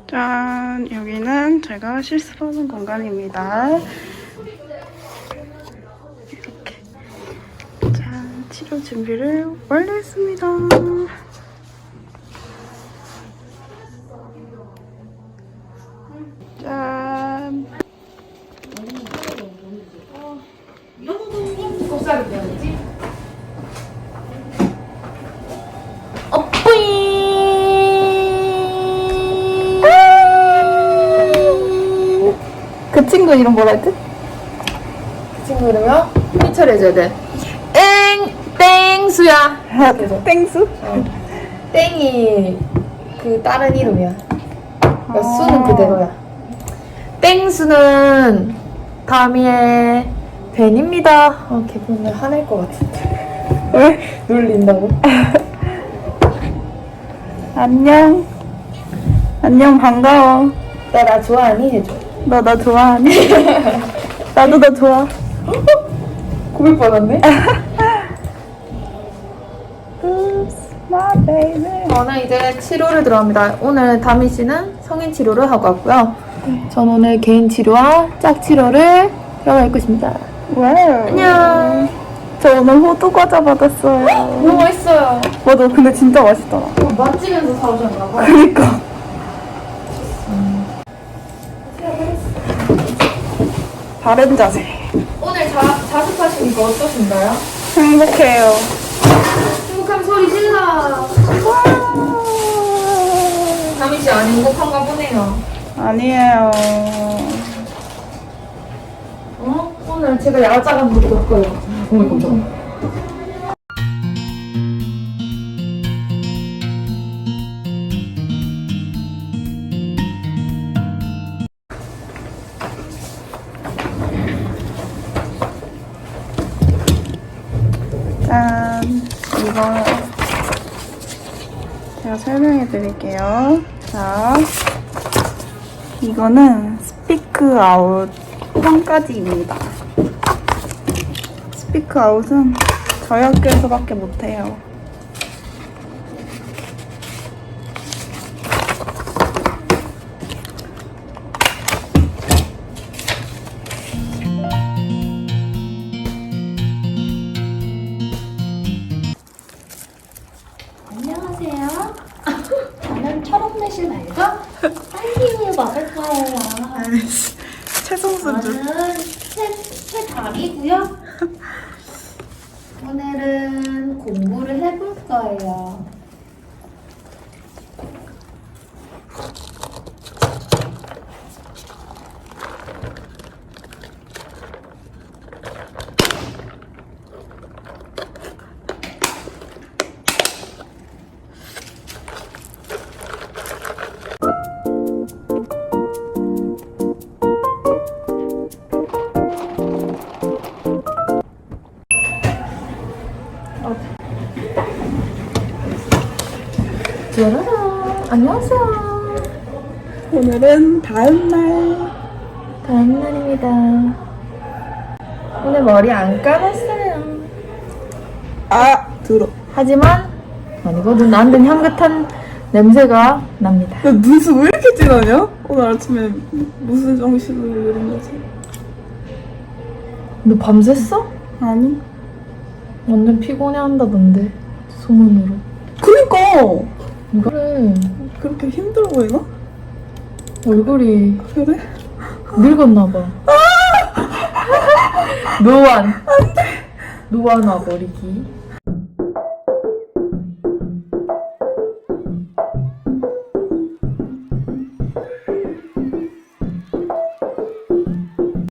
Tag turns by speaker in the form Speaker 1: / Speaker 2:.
Speaker 1: 짠! 여기는 제가 실습하는 공간입니다. 이렇게. 짠! 치료 준비를 완료했습니다. 짠!
Speaker 2: 곱살이 되는지?
Speaker 1: 그 친구 이름 뭐라 했지?
Speaker 2: 그 친구 이름이요? 피처리 해줘야 돼. 땡수야.
Speaker 1: 땡수?
Speaker 2: 땡이 그 다른 이름이야. 그러니까 수는 그대로야. 땡수는 다미의 벤입니다. 기분이 화낼 것 같은데.
Speaker 1: 왜?
Speaker 2: 놀린다고?
Speaker 1: 안녕. 안녕, 반가워.
Speaker 2: 나 좋아하니? 해줘.
Speaker 1: 너 나 좋아하니? 나도 너 좋아.
Speaker 2: 고백 받았네?
Speaker 1: Oops, my baby.
Speaker 2: 저는 이제 치료를 들어갑니다. 오늘 다미 씨는 성인 치료를 하고 왔고요. 전 오늘 개인 치료와 짝 치료를 들어갈 것입니다.
Speaker 1: 와우.
Speaker 2: 안녕.
Speaker 1: 저 오늘 호두 과자 받았어요.
Speaker 2: 너무 맛있어요.
Speaker 1: 맞아, 근데 진짜 맛있더라.
Speaker 2: 맛집에서 사오셨나 봐.
Speaker 1: 그니까. 바른 자세.
Speaker 2: 오늘 자습하시니까 어떠신가요?
Speaker 1: 행복해요.
Speaker 2: 행복한 소리 질러. 다미 씨 안 행복한가 보네요.
Speaker 1: 아니에요.
Speaker 2: 오늘 제가 야자간 못 겪어요. 정말 깜짝.
Speaker 1: 짠. 이거 제가 설명해 드릴게요. 자, 이거는 스피크 아웃 평가지입니다. 스피크 아웃은 저희 학교에서밖에 못해요.
Speaker 3: 안녕하세요. 저는 초록매실 말고 딸기우유 먹을 거예요.
Speaker 1: 최성수주.
Speaker 3: 저는 새 달이고요. 오늘은 공부를 해볼 거예요.
Speaker 2: 짜라란. 안녕하세요.
Speaker 1: 오늘은 다음날.
Speaker 2: 다음 날입니다. 오늘 머리 안 감았어요.
Speaker 1: 아, 들어.
Speaker 2: 하지만 아니거든. 나한테는 향긋한 냄새가 납니다.
Speaker 1: 야, 눈썹 왜 이렇게 진하냐? 오늘 아침에 무슨 정신으로 이런 거지?
Speaker 2: 너 밤샜어?
Speaker 1: 아니.
Speaker 2: 완전 피곤해한다던데 소문으로.
Speaker 1: 그니까!
Speaker 2: 그래.
Speaker 1: 그렇게 힘들어 보이나?
Speaker 2: 얼굴이
Speaker 1: 그래?
Speaker 2: 늙었나봐. 노안. 안돼. 노안 와버리기.